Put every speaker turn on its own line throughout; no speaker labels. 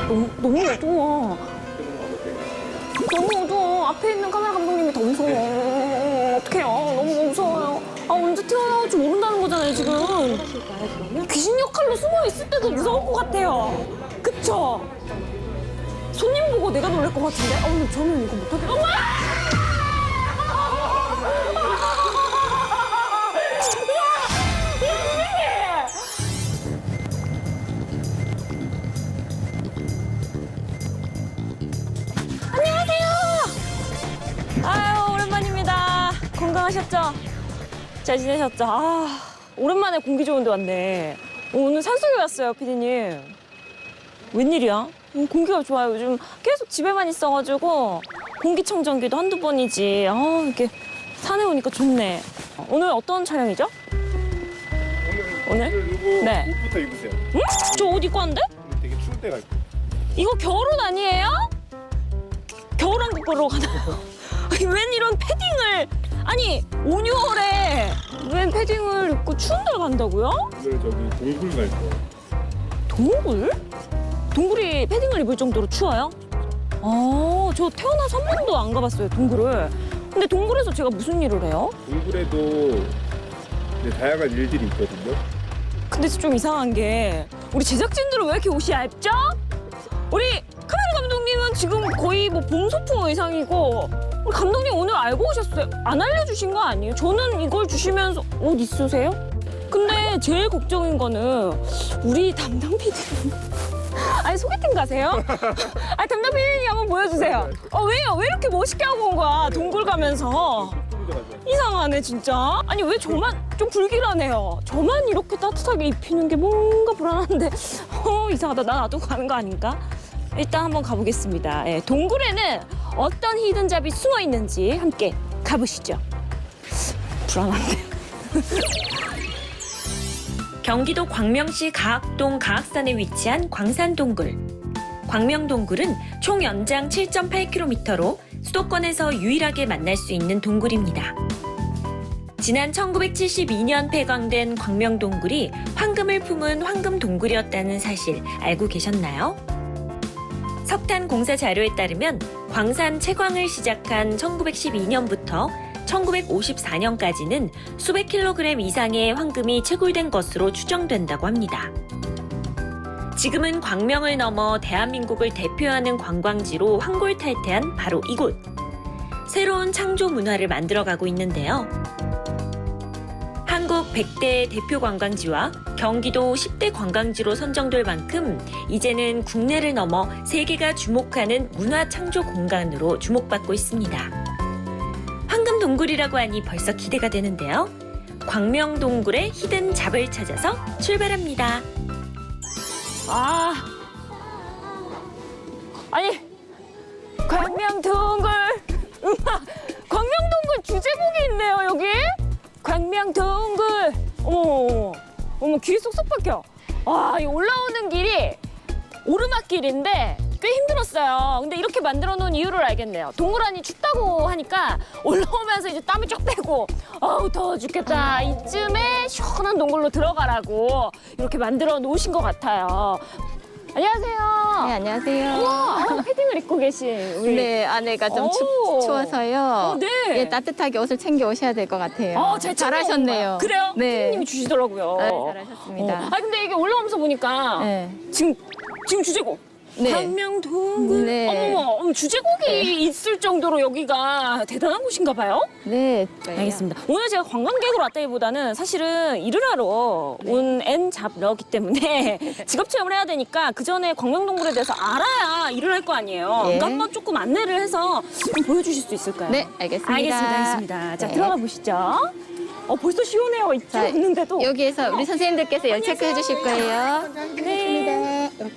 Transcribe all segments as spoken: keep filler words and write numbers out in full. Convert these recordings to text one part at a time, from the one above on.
너무, 너무 어두워. 너무 어두워. 앞에 있는 카메라 감독님이 더 무서워. 어떡해요. 너무 무서워요. 아, 언제 튀어나올지 모른다는 거잖아요, 지금. 귀신 역할로 숨어 있을 때도 무서울 것 같아요. 그쵸? 손님 보고 내가 놀랄 것 같은데? 아, 근데 저는 이거 못하겠어. 엄마! 아유, 오랜만입니다. 건강하셨죠? 잘 지내셨죠? 아, 오랜만에 공기 좋은 데 왔네. 오늘 산속에 왔어요, 피디님. 웬일이야? 음, 공기가 좋아요. 요즘 계속 집에만 있어가지고 공기청정기도 한두 번이지. 아, 이렇게 산에 오니까 좋네. 오늘 어떤 촬영이죠?
오늘?
오늘?
이거
네.
옷부터 입으세요.
응? 저 옷 입고 왔는데?
오늘 되게 추울 때가 있고.
이거 겨울옷 아니에요? 겨울왕국으로 가나요? 아니, 웬 이런 패딩을. 아니, 오, 유월에 웬 패딩을 입고 추운 데를 간다고요?
오늘 저기 동굴 갈 거예요.
동굴? 동굴이 패딩을 입을 정도로 추워요? 아, 저 태어나서 한 번도 안 가봤어요, 동굴을. 근데 동굴에서 제가 무슨 일을 해요?
동굴에도 이제 다양한 일들이 있거든요.
근데 좀 이상한 게 우리 제작진들은 왜 이렇게 옷이 얇죠? 우리 카메라 감독님은 지금 거의 뭐 봄 소풍 의상이고 우리 감독님 오늘 알고 오셨어요? 안 알려주신 거 아니에요? 저는 이걸 주시면서 옷 있으세요? 근데 제일 걱정인 거는 우리 담당 피디님 아니 소개팅 가세요? 아니 담당 피디님 한번 보여주세요. 어 왜요? 왜 이렇게 멋있게 하고 온 거야? 동굴 가면서. 이상하네 진짜. 아니 왜 저만 좀 불길하네요. 저만 이렇게 따뜻하게 입히는 게 뭔가 불안한데 어 이상하다. 나 놔두고 가는 거 아닌가? 일단 한번 가보겠습니다. 예, 동굴에는 어떤 히든잡이 숨어 있는지 함께 가보시죠. 불안한데. 경기도 광명시 가학동 가학산에 위치한 광산동굴. 광명동굴은 총 연장 칠 점 팔 킬로미터로 수도권에서 유일하게 만날 수 있는 동굴입니다. 지난 천구백칠십이 년 폐광된 광명동굴이 황금을 품은 황금동굴이었다는 사실 알고 계셨나요? 석탄 공사 자료에 따르면 광산 채광을 시작한 천구백십이 년부터 천구백오십사 년까지는 수백 킬로그램 이상의 황금이 채굴된 것으로 추정된다고 합니다. 지금은 광명을 넘어 대한민국을 대표하는 관광지로 황골탈퇴한 바로 이곳. 새로운 창조 문화를 만들어가고 있는데요. 한국 백 대 대표 관광지와 경기도 십 대 관광지로 선정될 만큼 이제는 국내를 넘어 세계가 주목하는 문화 창조 공간으로 주목받고 있습니다. 황금동굴이라고 하니 벌써 기대가 되는데요. 광명동굴의 히든 잡을 찾아서 출발합니다. 아, 아니 광명동굴 음악 광명동굴 주제곡이 있네요 여기. 광명동굴. 어머 어머 귀에 쏙쏙 박혀. 와, 이 올라오는 길이 오르막길인데 꽤 힘들었어요. 근데 이렇게 만들어 놓은 이유를 알겠네요. 동굴 안이 춥다고 하니까 올라오면서 이제 땀이 쫙 빼고 아우 더워 죽겠다 이쯤에 시원한 동굴로 들어가라고 이렇게 만들어 놓으신 것 같아요. 안녕하세요.
네, 안녕하세요.
우와, 아, 패딩을 입고 계신 우리.
네, 아내가 좀 춥,
오.
추워서요.
어, 네.
예, 따뜻하게 옷을 챙겨 오셔야 될 것 같아요.
어, 잘
잘하셨네요.
그래요?
네.
피디님이 주시더라고요.
아, 잘하셨습니다.
어. 아 근데 이게 올라오면서 보니까
네.
지금 지금 주제곡.
네.
광명동굴.
네.
어머머, 어머, 주제곡이
네.
있을 정도로 여기가 대단한 곳인가 봐요?
네.
알겠습니다. 오늘 제가 관광객으로 왔다기보다는 사실은 일을 하러
네.
온 앤 잡러기 때문에 직업 체험을 해야 되니까 그 전에 광명동굴에 대해서 알아야 일을 할 거 아니에요.
예.
그러니까 한번 조금 안내를 해서 좀 보여주실 수 있을까요?
네, 알겠습니다.
알겠습니다, 알겠습니다. 자,
네.
들어가 보시죠. 어, 벌써 시원해요. 이쪽
자,
있는데도.
여기에서 우리 선생님들께서 열 체크해 주실 거예요.
네.
이렇게.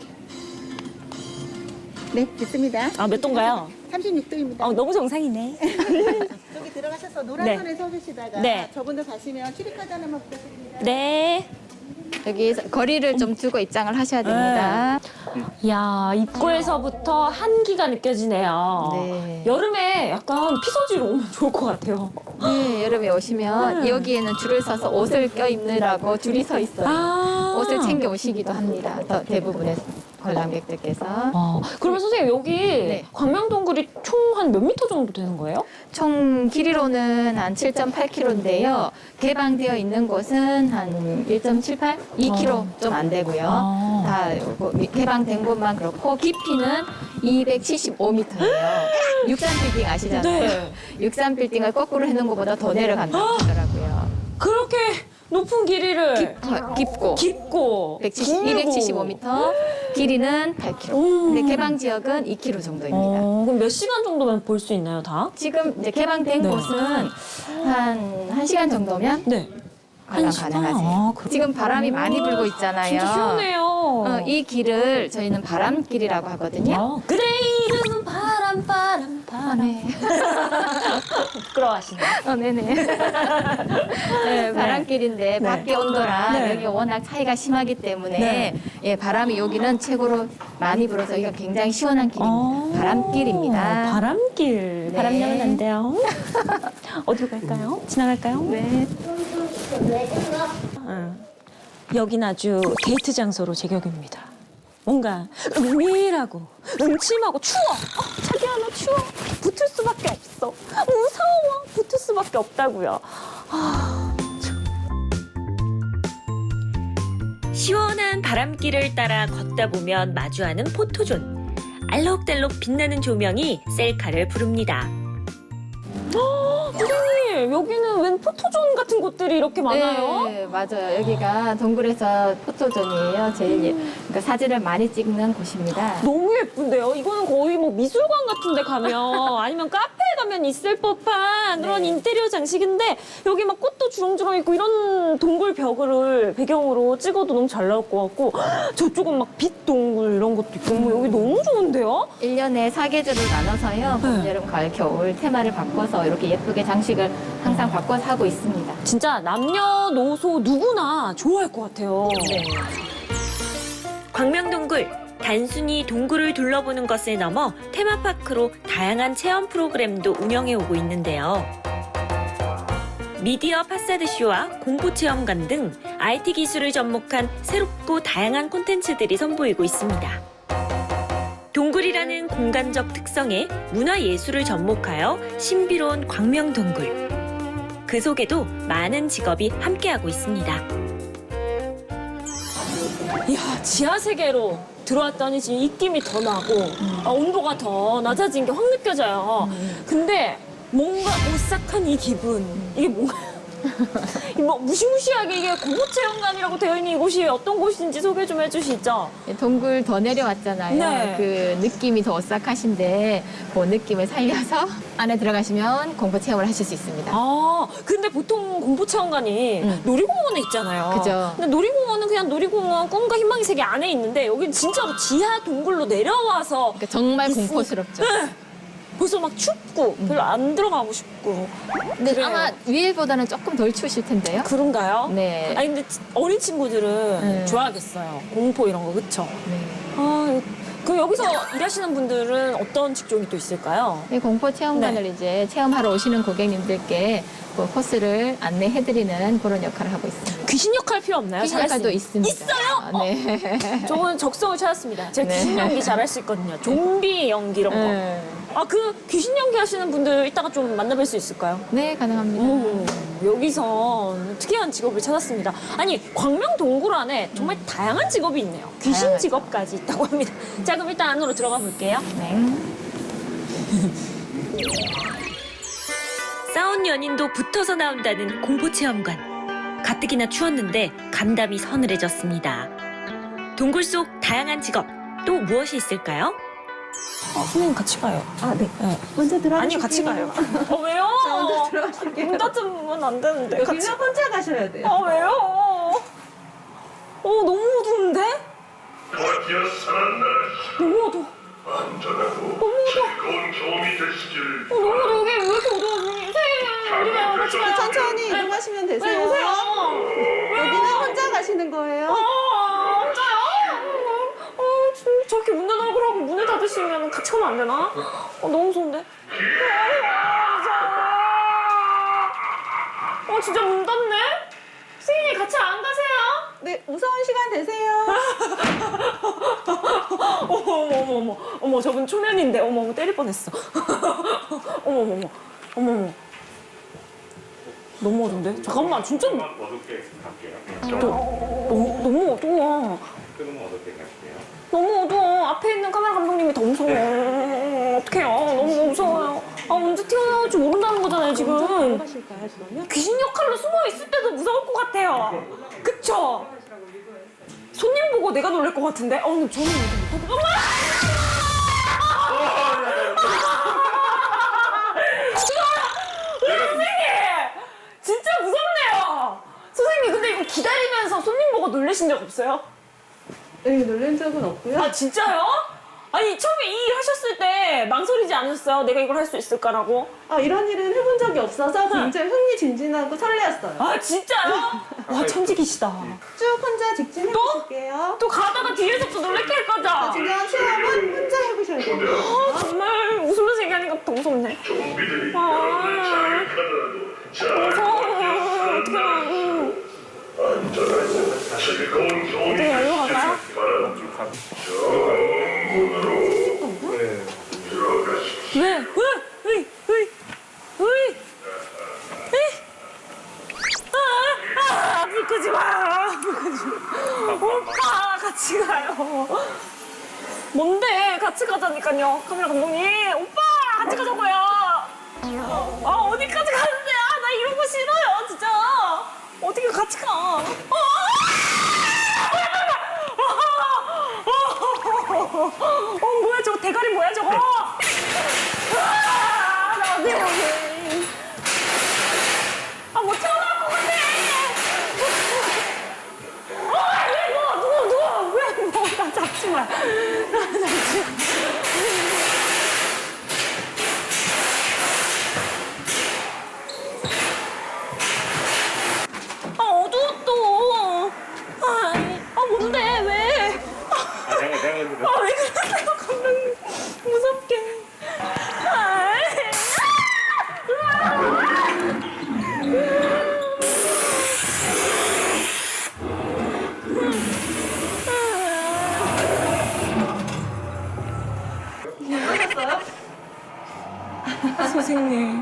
네, 됐습니다.
아, 몇 도인가요?
삼십육 도입니다.
어, 너무 정상이네.
저기 들어가셔서 노란
네.
선에 서 계시다가
네.
저분들 가시면 출입카드 하나만 부탁드립니다.
네.
여기 거리를 좀 두고 입장을 하셔야 됩니다.
야, 입구에서부터 한기가 느껴지네요.
네.
여름에 약간 피서지로 오면 좋을 것 같아요.
네, 여름에 오시면
네.
여기에는 줄을 서서 옷을 껴입느라고 줄이 서 있어요.
아.
옷을 챙겨 오시기도 합니다. 더 대부분의 관람객들께서.
아, 그러면 선생님 여기
네.
광명동굴이 총 한 몇 미터 정도 되는 거예요?
총 길이로는 한 칠 점 팔 킬로미터인데요. 개방되어 있는 곳은 한 일 점 칠팔, 이 킬로미터 좀 안 되고요.
아.
다 요거 개방된 곳만 그렇고 깊이는 이백칠십오 미터예요. 육삼 빌딩 아시잖아요.
네.
육삼 빌딩을 거꾸로 해놓은 것보다 더 내려간다고 하더라고요.
그렇게 높은 길이를
더 깊고
깊고 길고.
이백칠십오 미터, 길이는 팔 킬로미터.
음.
근데 개방 지역은 이 킬로미터 정도입니다.
어, 그럼 몇 시간 정도면 볼 수 있나요, 다?
지금 이제 개방된
네.
곳은 한 1시간 정도면
네.
관람
한 시간?
가능하세요.
아, 그렇구나.
지금 바람이 많이 불고 있잖아요.
진짜 시원해요.
어, 이 길을 저희는 바람길이라고 하거든요.
아, 그래 이름은 바람 바람 바람.
네.
부끄러워하시네.
어, 네네. 네, 바람길인데 밖에 온도랑
네.
여기 워낙 차이가 심하기 때문에
네.
예, 바람이 여기는 최고로 많이 불어서 여기가 굉장히 시원한 길입니다.
아,
바람길입니다.
바람길.
네.
바람 나면 안 돼요. 어디로 갈까요? 지나갈까요?
네.
응. 여긴 아주 데이트 장소로 제격입니다. 뭔가 은밀하고 음침하고 추워. 어, 자기야 나 추워. 붙을 수밖에 없어. 무서워. 붙을 수밖에 없다고요. 아, 참. 시원한 바람길을 따라 걷다 보면 마주하는 포토존. 알록달록 빛나는 조명이 셀카를 부릅니다. 선생님, 여기는 웬 포토존 같은 곳들이 이렇게 많아요?
네, 맞아요. 여기가 동굴에서 포토존이에요. 제일 예- 그러니까 사진을 많이 찍는 곳입니다.
너무 예쁜데요? 이거는 거의 뭐 미술관 같은 데 가면 아니면 카페에 가면 있을 법한 그런
네.
인테리어 장식인데 여기 막 꽃도 주렁주렁 있고 이런 동굴 벽을 배경으로 찍어도 너무 잘 나올 것 같고 저쪽은 막 빛 동굴 이런 것도 있고 뭐 여기 너무 좋은데요?
일 년에 사계절을 나눠서요. 봄,
네.
여름, 가을, 겨울 테마를 바꿔서 이렇게 예쁘게 장식을 항상 바꿔서 하고 있습니다.
진짜 남녀노소 누구나 좋아할 것 같아요.
네.
광명동굴, 단순히 동굴을 둘러보는 것을 넘어 테마파크로 다양한 체험 프로그램도 운영해 오고 있는데요. 미디어 파사드쇼와 공포체험관 등 아이티 기술을 접목한 새롭고 다양한 콘텐츠들이 선보이고 있습니다. 동굴이라는 공간적 특성에 문화예술을 접목하여 신비로운 광명동굴. 그 속에도 많은 직업이 함께하고 있습니다.
이야, 지하 세계로 들어왔더니 지금 입김이 더 나고 아, 온도가 더 낮아진 게 확 느껴져요. 근데 뭔가 오싹한 이 기분 이게 뭔가요? 이 뭐 무시무시하게 이게 공포체험관이라고 되어 있는 이곳이 어떤 곳인지 소개 좀 해주시죠.
동굴 더 내려왔잖아요.
네.
그 느낌이 더 오싹하신데 그 느낌을 살려서 안에 들어가시면 공포 체험을 하실 수 있습니다.
아, 근데 보통 공포체험관이
음.
놀이공원에 있잖아요.
그죠.
근데 놀이공원은 그냥 놀이공원 꿈과 희망의 세계 안에 있는데 여긴 진짜로 지하 동굴로 내려와서
그러니까 정말
있으니까.
공포스럽죠.
네. 벌써 막 춥고 별로 안 들어가고 싶고.
근데
그래요.
아마 위에보다는 조금 덜 추우실 텐데요.
그런가요?
네.
아니 근데 어린 친구들은
네.
좋아하겠어요. 공포 이런 거 그쵸?
네.
아, 그럼 여기서 일하시는 분들은 어떤 직종이 또 있을까요?
이 공포 체험관을
네.
이제 체험하러 오시는 고객님들께 그 코스를 안내해드리는 그런 역할을 하고 있습니다.
귀신 역할 필요 없나요?
귀신
잘할 수
역할도
있-
있습니다.
있어요?
네.
저는 적성을 찾았습니다. 제가
네.
귀신 연기 잘할 수 있거든요. 좀비 연기 이런 거.
네.
아, 그 귀신 연기 하시는 분들 이따가 좀 만나뵐 수 있을까요?
네, 가능합니다.
오, 여기서 특이한 직업을 찾았습니다. 아니, 광명 동굴 안에 정말 다양한 직업이 있네요. 귀신
다양하죠.
직업까지 있다고 합니다. 자, 그럼 일단 안으로 들어가 볼게요.
네.
싸운 연인도 붙어서 나온다는 공포체험관. 가뜩이나 추웠는데 감담이 서늘해졌습니다. 동굴 속 다양한 직업, 또 무엇이 있을까요?
아, 선생님 같이 가요.
아, 네.
네.
먼저 들어가실게요.
아니요, 같이 가요. 어, 왜요?
먼저 들어가실게요.
문 닫으면 안 되는데. 같이.
여기는 혼자 가셔야 돼요.
아, 왜요? 어, 너무 어두운데?
드디어 살았나?
너무 어두워.
안전하고 즐거운 경험이 되시길
어, 너무 어두워. 여기 왜 이렇게 어두워? 선생님, 우리 가요. 같이 가요.
천천히 이동하시면
왜
되세요.
오세요?
여기는 혼자 가시는 거예요.
아, 혼자요? 어, 진- 저렇게 문 닫으라고 하고 문을 닫으시면 같이 가면 안 되나? 어, 너무 무서운데? 어, 무서워. 어, 진짜 문 닫네? 선생님, 같이 안 가세요?
네, 무서운 시간 되세요.
어머 어머 어머 어머 어머 저분 초면인데 어머 어머 때릴 뻔했어. 어머 어머 어머 어머 어머 너무 어두운데? 잠깐만 진짜 너,
어둡게 갈게요.
너무 너무 어두워.
조금 어둡게 갈게요.
너무 어두워. 앞에 있는 카메라 감독님이 더 무서워. 어떡해요. 너무 무서워요. 아 언제 튀어나올지 모른다는 거잖아요 지금.
하실까요, 그러면?
귀신 역할로 숨어 있을 때도 무서울 것 같아요. 그쵸? 손님 보고 내가 놀랄 것 같은데? 어, 근데 저는 이렇게 못하고. 어머! 우리 선생님! 진짜 무섭네요. 선생님, 근데 이거 기다리면서 손님 보고 놀라신 적 없어요?
네, 놀란 적은 없고요.
아, 진짜요? 아니, 처음에 이 일 하셨을 때 망설이지 않으셨어요? 내가 이걸 할 수 있을까라고?
아, 이런 일은 해본 적이 없어서 굉장히 흥미진진하고 설레었어요.
아, 진짜요? 와, 천직이시다.
쭉 혼자 직진해보실게요.
또 가다가 뒤에서 또 놀래켜 할 거죠?
중요한 체험은 혼자 해보셔야 돼요.
아, 정말 웃으면서 얘기하니까 더 무섭네.
좀비들이
아.
여러분을 자극하더라도 잘
무서워.
버텨주세요.
어떡해.
안전하고 즐거운 경험이
어떻게 여기로
되시길
갈까요?
바랍니다. 정문으로
네.
들어가십시오.
왜? 왜? 으이, 으이, 으이, 으이. 아, 아, 불 끄지 마. 불 끄지 마. 오빠, 같이 가요. 뭔데? 같이 가자니까요. 카메라 감독님. 오빠, 같이 가자고요. 아, 어디까지 가는데? 아, 나 이런 거 싫어요, 진짜. 어떻게 같이 가? 어, 어, 뭐야, 저거 대가리 뭐야, 저거? 아, 나 어디 여기. 아, 못 태어날 것 같아. 어, 왜 뭐, 누워, 누워. 왜 뭐, 나 잡지 마. 나 잡지 마. 아, 어두워 또. 아, 아, 뭔데, 왜?
아, 내가 내가 근데
아, 왜 그러세요, 감독님. 무섭게. 아, 선생님,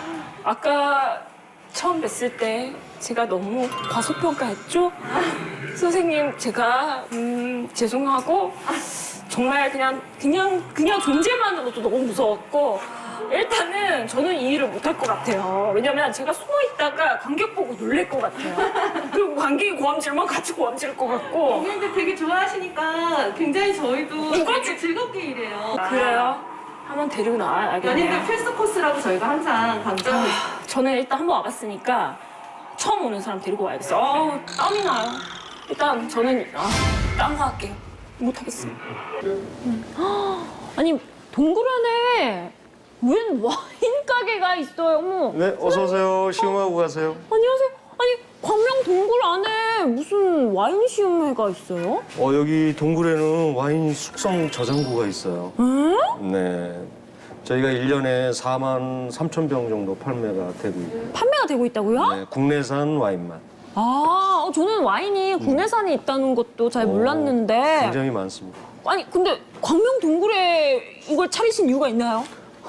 아까 처음 뵀을 때 제가 너무 과소평가했죠? 선생님, 제가 음, 죄송하고 정말 그냥 그냥 그냥 존재만으로도 너무 무서웠고 일단은 저는 이 일을 못할 것 같아요. 왜냐면 제가 숨어 있다가 관객 보고 놀랄 것 같아요. 그리고 관객이 고함지르면 같이 고함지를 것 같고.
근데 되게 좋아하시니까 굉장히 저희도
누가
되게 즐겁게 일해요.
그래요? 한번 데리고 나와야겠네요.
연인들 필수 코스라고 저희가 항상 강조하고 있어요.
저는 일단 한 번 와봤으니까 처음 오는 사람 데리고 와야겠어. 어, 땀이 나요. 일단 저는 아, 딴 거 할게요. 못하겠어요. 음. 아니 동굴 안에 웬 와인 가게가 있어요. 어머.
네, 어서 오세요. 시음하고 가세요.
안녕하세요. 아니 광명 동굴 안에 무슨 와인 시음회가 있어요?
어, 여기 동굴에는 와인 숙성 저장고가 있어요.
응?
네. 저희가 일 년에 사만 삼천 병 정도 판매가 되고 있고.
판매가 되고 있다고요?
네, 국내산 와인만.
아, 어, 저는 와인이 국내산이 있다는 것도 잘
어,
몰랐는데.
굉장히 많습니다.
아니 근데 광명 동굴에 이걸 차리신 이유가 있나요?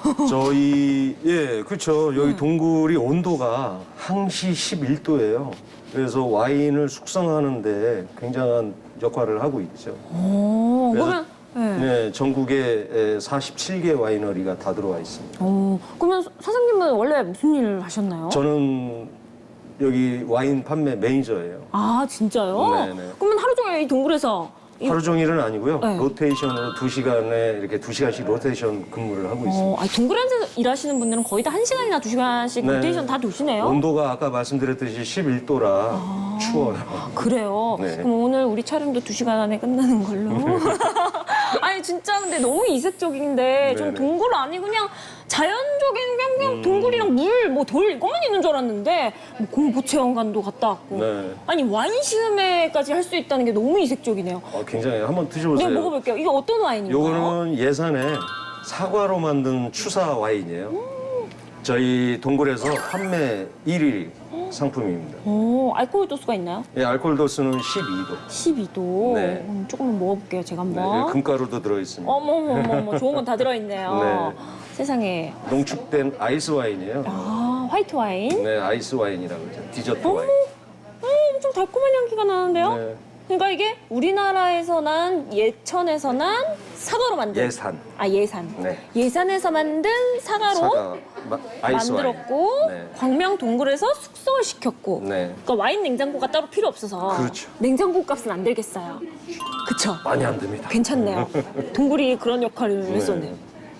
저희, 예, 그렇죠. 여기
음.
동굴이 온도가 항시 십일 도예요. 그래서 와인을 숙성하는데 굉장한 역할을 하고 있죠.
오,
그래서-
그러면 네.
네, 전국에 사십칠 개 와이너리가 다 들어와 있습니다.
어, 그러면 사장님은 원래 무슨 일을 하셨나요?
저는 여기 와인 판매 매니저예요.
아 진짜요?
네네.
그러면 하루 종일 이 동굴에서 이-
하루 종일은 아니고요.
네.
로테이션으로 두 시간에 이렇게 두 시간씩 로테이션 근무를 하고 있습니다.
어, 아니, 동굴에서 일하시는 분들은 거의 다 한 시간이나 두 시간씩
네.
로테이션 다 도시네요.
온도가 아까 말씀드렸듯이 십일 도라 추워요.
그래요?
네.
그럼 오늘 우리 촬영도 두 시간 안에 끝나는 걸로. 아니 진짜 근데 너무 이색적인데 좀
네네.
동굴 아니 그냥 자연적인 그냥, 그냥
음.
동굴이랑 물, 뭐 돌 이것만 있는 줄 알았는데 뭐 공포체험관도 갔다 왔고.
네.
아니 와인 시음회까지 할 수 있다는 게 너무 이색적이네요.
어, 굉장히 한번
네,
드셔보세요.
먹어볼게요. 이거 어떤 와인인가요?
요거는 예산에 사과로 만든 추사 와인이에요. 저희 동굴에서 판매 일 위 상품입니다.
오, 알코올 도수가 있나요?
예, 알코올 도수는 십이 도.
십이 도.
네.
음, 조금만 먹어볼게요, 제가
네,
한번.
금가루도 들어있습니다.
어머, 어머, 어머, 어머, 좋은 건 다 들어있네요.
네.
세상에.
농축된 아이스 와인이에요.
아, 화이트 와인?
네, 아이스 와인이라고 그러죠. 디저트
어머,
와인.
음, 엄청 달콤한 향기가 나는데요?
네.
그러니까 이게 우리나라에서 난 예천에서 난 사과로 만든
예산.
아 예산
네.
예산에서 만든 사과로
사과, 마, 아이스
만들었고
와인. 네.
광명 동굴에서 숙성을 시켰고
네.
그러니까 와인 냉장고가 따로 필요 없어서
그렇죠.
냉장고 값은 안 들겠어요. 그쵸?
많이 안 듭니다.
괜찮네요. 동굴이 그런 역할을
네.
했었네요.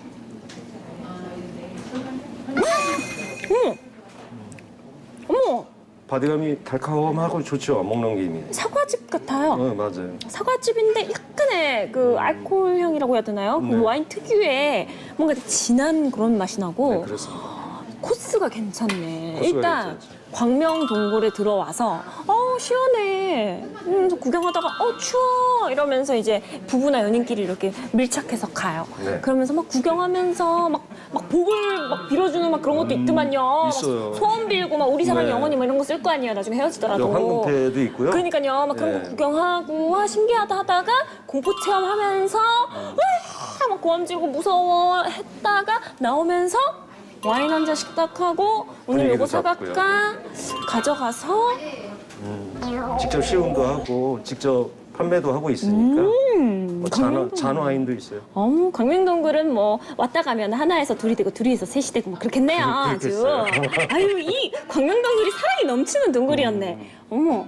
음! 어머!
바디감이 달콤하고 좋죠. 먹는 김이.
사과즙 같아요.
어, 맞아요.
사과즙인데 약간의 그 알코올 향이라고 해야 되나요?
네.
그 와인 특유의 뭔가 진한 그런 맛이 나고
네, 그렇습니다.
코스가 괜찮네.
코스가
일단
괜찮죠.
광명 동굴에 들어와서 어 시원해. 음, 구경하다가 어 추워 이러면서 이제 부부나 연인끼리 이렇게 밀착해서 가요.
네.
그러면서 막 구경하면서 막, 막 복을 막 빌어주는 막 그런 것도 있더만요.
음, 있어요.
소원 빌고 막 우리 사랑
네.
영원히 뭐 이런 거 쓸 거 아니에요. 나중에 헤어지더라도.
황금패도 있고요.
그러니까요. 막 그런
네.
거 구경하고 와 신기하다 하다가 공포 체험하면서 으아, 막 고함지고 무서워 했다가 나오면서 와인 한 잔씩 딱 하고 오늘
분위기도
요거
잡고요.
사갈까 가져가서
직접 시음도 하고 직접 판매도 하고 있으니까.
음,
뭐 잔,
광명동-
잔 와인도 있어요.
어머, 광명동굴은 뭐 왔다 가면 하나에서 둘이 되고 둘이서 셋이 되고 뭐 그렇겠네요 아주.
그렇겠어요.
아유 이 광명동굴이 사랑이 넘치는 동굴이었네. 어머.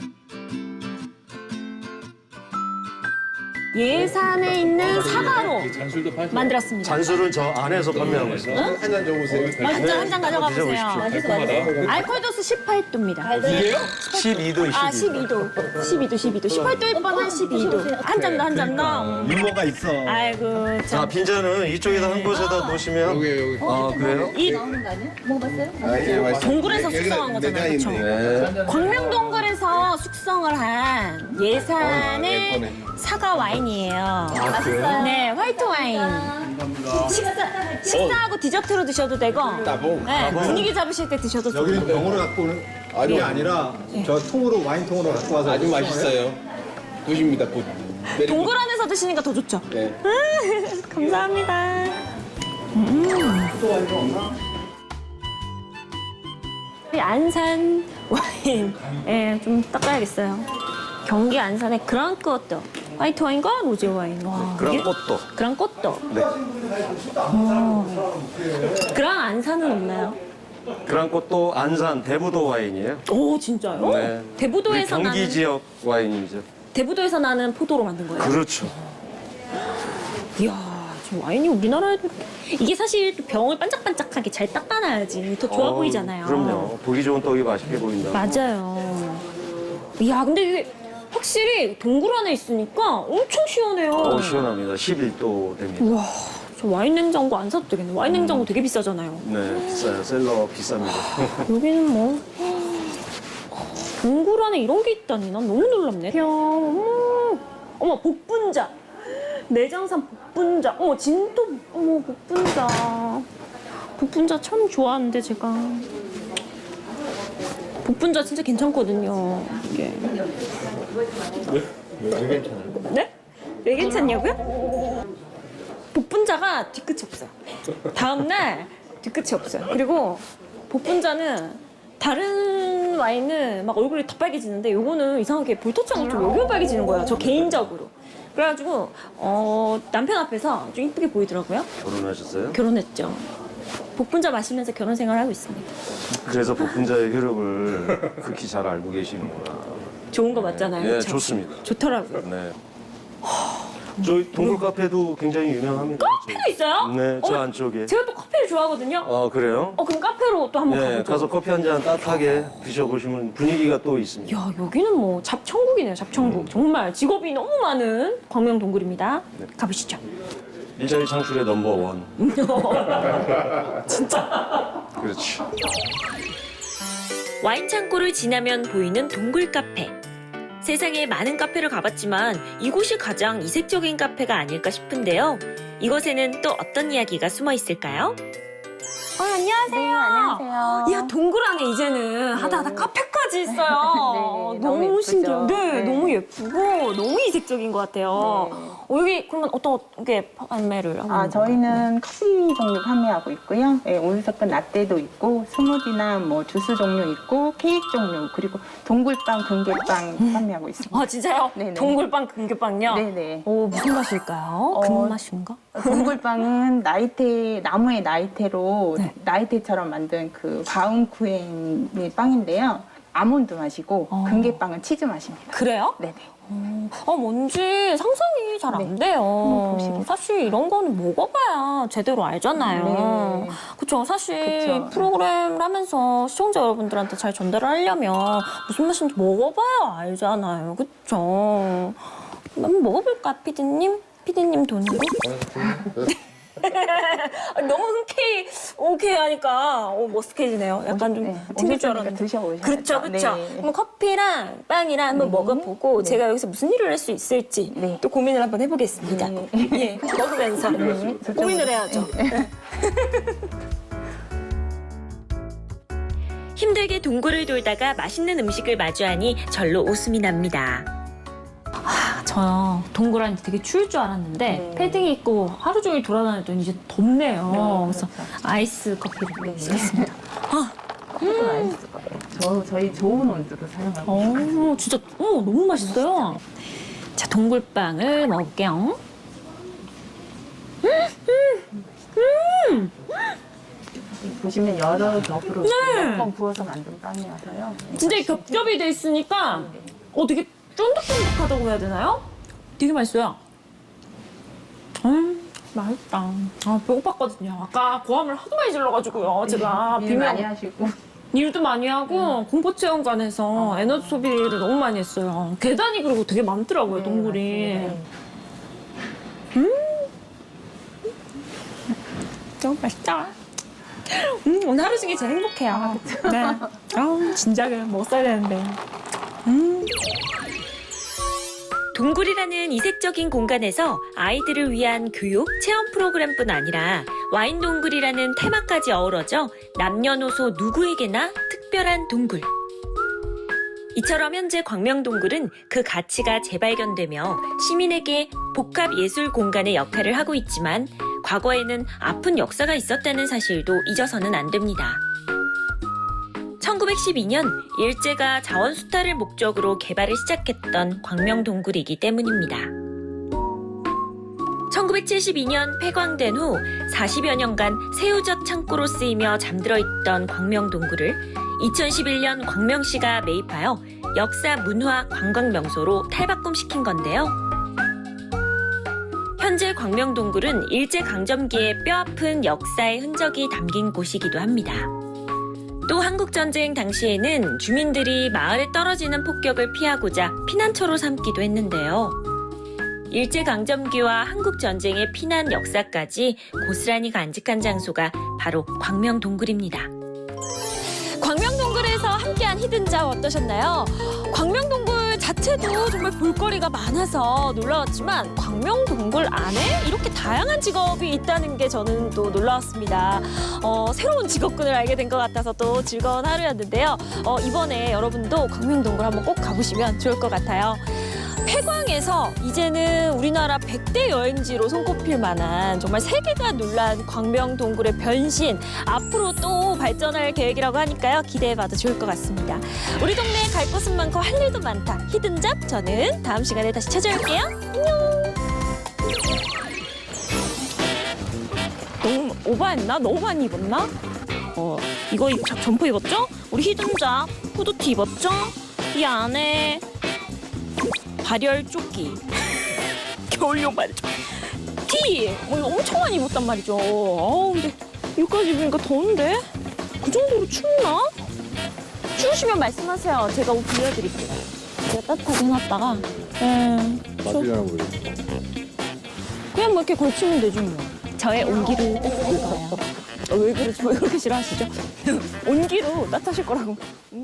예산에 있는 사과로 만들었습니다.
잔술은 저 안에서 판매하고 있어요.
한잔 줘보세요.
맛있죠? 한 잔 가져가 보세요.
드셔보십시오.
알코올 도수 십팔 도입니다.
십이 도,
아,
십이 도.
십이 도. 십이 도, 십이 도. 십팔 도일 뻔한 십이 도. 한 잔 더, 한 잔 더.
유머가 있어.
아이고,
자,
참.
빈잔은 이쪽에다 한 곳에다 놓으시면.
여기 여기.
아, 그래요?
이
아, 예, 맛있어.
동굴에서 숙성한 거잖아요, 그쵸?
네.
광명동굴에서 숙성을 한 예산의
예쁘네.
사과 와인이에요. 맛있어요? 네, 화이트 와인. 식사, 식사하고 디저트로 드셔도 되고,
따봉.
네, 분위기 잡으실 때 드셔도 좋고.
여기는 병으로 갖고 오는 게 아니라 저 통으로 와인통으로 갖고 와서
아주 맛있어요. 굿입니다, 굿. 메리 굿.
동굴 안에서 드시니까 더 좋죠?
네.
감사합니다. 음. 이 안산 와인, 예, 좀 닦아야겠어요. 경기 안산의 그랑코또 화이트 와인과 로제 와인. 와,
그런
이게-
것도.
그랑코또.
네.
그랑 안산은 없나요?
그런 것도 안산 대부도 와인이에요.
오, 진짜요?
네.
대부도에서
우리 경기
나는
지역 와인이죠.
대부도에서 나는 포도로 만든 거예요.
그렇죠.
이야, 지금 와인이 우리나라에도 이렇게- 이게 사실 또 병을 반짝반짝하게 잘 닦아놔야지 더 좋아
어,
보이잖아요.
그럼요. 보기 좋은 떡이 맛있게 보인다.
맞아요. 이야, 근데 이게 확실히 동굴 안에 있으니까 엄청 시원해요.
어, 시원합니다. 십일 도 됩니다.
우와, 저 와인 냉장고 안 사도 되겠네. 와인 냉장고 되게 비싸잖아요.
네, 비싸요. 셀러 비쌉니다.
여기는 뭐 동굴 안에 이런 게 있다니 난 너무 놀랍네. 이야, 어머, 어머 복분자, 내장산 복분자, 어머 진도, 어머 복분자, 복분자 참 좋아하는데 제가 복분자 진짜 괜찮거든요. 이게
왜 괜찮아요?
네? 왜 괜찮냐고요? 복분자가 뒤끝이 없어요. 다음날 뒤끝이 없어요. 그리고 복분자는 다른 와인은 막 얼굴이 더 빨개지는데 요거는 이상하게 볼터치 않고 좀 여기만 빨개지는 거예요. 저 개인적으로. 그래가지고 어, 남편 앞에서 좀 이쁘게 보이더라고요.
결혼하셨어요?
결혼했죠. 복분자 마시면서 결혼 생활을 하고 있습니다.
그래서 복분자의 효력을 극히 잘 알고 계시는구나.
좋은 거 맞잖아요.
네,
그쵸?
좋습니다.
좋더라고요.
네. 저희 동굴 카페도 굉장히 유명합니다.
카페가 있어요?
네, 저
어,
안쪽에.
제가 또 커피를 좋아하거든요.
어, 그래요?
어, 그럼 카페로 또 한번
네,
가보죠.
가서 커피 한 잔 따뜻하게 드셔보시면 분위기가 또 있습니다.
야, 여기는 뭐 잡천국이네요, 잡천국. 정말 직업이 너무 많은 광명 동굴입니다.
네.
가보시죠.
일자리 창출의 넘버원.
진짜.
그렇지.
와인 창고를 지나면 보이는 동굴 카페. 세상에 많은 카페를 가봤지만 이곳이 가장 이색적인 카페가 아닐까 싶은데요. 이곳에는 또 어떤 이야기가 숨어 있을까요?
어, 안녕하세요.
네, 안녕하세요.
이야, 동굴 안에 이제는 하다 하다 카페까지 있어요.
네,
너무,
너무 예쁘죠?
신기해요. 네,
네.
너무 예쁘고 너무 이색적인 것 같아요.
네.
어, 여기 그러면 어떻게 판매를 하고
아,
있는
저희는 커피 종류 판매하고 있고요. 네, 온스푼 라떼도 있고, 스무디나 뭐 주스 종류 있고, 케이크 종류, 그리고 동굴빵, 금괴빵 판매하고 있습니다.
아, 진짜요?
네네.
동굴빵, 금괴빵요?
네네.
오, 무슨 맛일까요?
어,
금맛인가?
동굴빵은 나이테, 나무의 나이테로
네.
나이테처럼 만든 그 바움쿠헨의 빵인데요. 아몬드 맛이고,
어.
금괴빵은 치즈 맛입니다.
그래요?
네네.
어, 뭔지 상상이 잘 안
네.
돼요.
한번 보시겠어요?
사실 이런 거는 먹어봐야 제대로 알잖아요.
네.
그쵸. 사실
그쵸.
프로그램을 하면서 시청자 여러분들한테 잘 전달을 하려면 무슨 맛인지 먹어봐야 알잖아요. 그쵸. 한번 먹어볼까, 피디님? 피디님 돈으로? 너무 흔쾌히 오케이 하니까 어, 머쓱해지네요. 약간 좀
네,
튕길 줄
오셨으니까
알았는데.
드셔보셔야죠.
그렇죠, 그렇죠.
네.
그럼 커피랑 빵이랑 한번
네.
먹어보고
네.
제가 여기서 무슨 일을 할 수 있을지
네.
또 고민을 한번 해보겠습니다.
네.
예, 먹으면서
네,
고민을 해야죠.
힘들게 동굴을 돌다가 맛있는 음식을 마주하니 절로 웃음이 납니다.
저요 동굴 안이 되게 추울 줄 알았는데
네.
패딩 입고 하루 종일 돌아다녔더니 이제 덥네요.
네,
그래서
그렇죠.
아이스 커피를
네.
시켰습니다. 아,
조금 맛있을 거예요. 저, 저희 좋은 온도로 사용하고 있어요.
어, 진짜 어, 너무 맛있어요. 자, 동굴빵을 먹을게요.
보시면 여러 겹으로
네.
몇 번 부어서 만든 빵이어서요. 네.
진짜 이 겹겹이 돼 있으니까 어 되게 쫀득쫀득하다고 해야 되나요? 되게 맛있어요. 음, 맛있다. 아, 배고팠거든요. 아까 고함을 하도 많이 질러가지고요. 제가
일
비명
많이 하시고
일도 많이 하고 공포체험관에서 에너지 소비를 너무 많이 했어요. 계단이 그리고 되게 많더라고요,
네,
동굴이.
맞습니다.
너무 맛있다. 음, 오늘 하루 중에 제일 행복해요. 네. 아우, 진작에 먹었어야 되는데.
동굴이라는 이색적인 공간에서 아이들을 위한 교육, 체험 프로그램뿐 아니라 와인 동굴이라는 테마까지 어우러져 남녀노소 누구에게나 특별한 동굴. 이처럼 현재 광명동굴은 그 가치가 재발견되며 시민에게 복합 예술 공간의 역할을 하고 있지만 과거에는 아픈 역사가 있었다는 사실도 잊어서는 안 됩니다. 천구백십이 년 일제가 자원 수탈을 목적으로 개발을 시작했던 광명동굴이기 때문입니다. 천구백칠십이 년 폐광된 후 사십여 년간 새우젓 창고로 쓰이며 잠들어 있던 광명동굴을 이천십일 년 광명시가 매입하여 역사, 문화, 관광 명소로 탈바꿈시킨 건데요. 현재 광명동굴은 일제강점기의 뼈아픈 역사의 흔적이 담긴 곳이기도 합니다. 또 한국전쟁 당시에는 주민들이 마을에 떨어지는 폭격을 피하고자 피난처로 삼기도 했는데요. 일제강점기와 한국전쟁의 피난 역사까지 고스란히 간직한 장소가 바로 광명동굴입니다.
광명동굴에서 함께한 히든잡 어떠셨나요? 광명동굴 자체도 정말 볼거리가 많아서 놀라웠지만 광명동굴 안에 이렇게 다양한 직업이 있다는 게 저는 또 놀라웠습니다. 어, 새로운 직업군을 알게 된 것 같아서 또 즐거운 하루였는데요. 어, 이번에 여러분도 광명동굴 한번 꼭 가보시면 좋을 것 같아요. 폐광에서 이제는 우리나라 백 대 여행지로 손꼽힐 만한 정말 세계가 놀란 광명동굴의 변신, 앞으로 또 발전할 계획이라고 하니까요. 기대해봐도 좋을 것 같습니다. 우리 동네에 갈 곳은 많고 할 일도 많다. 히든잡, 저는 다음 시간에 다시 찾아올게요. 안녕. 너무 오버했나? 너무 많이 입었나? 어, 이거 입, 점퍼 입었죠? 우리 히든잡 후드티 입었죠? 이 안에 발열 조끼 겨울용 발열 조끼 티! 어, 이거 엄청 많이 입었단 말이죠. 아 근데 여기까지 입으니까 더운데? 그 정도로 춥나? 추우시면 말씀하세요. 제가 옷 빌려드릴게요. 제가 따뜻하게 해놨다가 네,
맞으려나 보여.
그냥 뭐 이렇게 걸치면 되지 뭐. 저의 온기로 따뜻할 거예요. 어, 왜 그러지? 왜 그렇게 싫어하시죠? 온기로 따뜻하실 거라고. 음.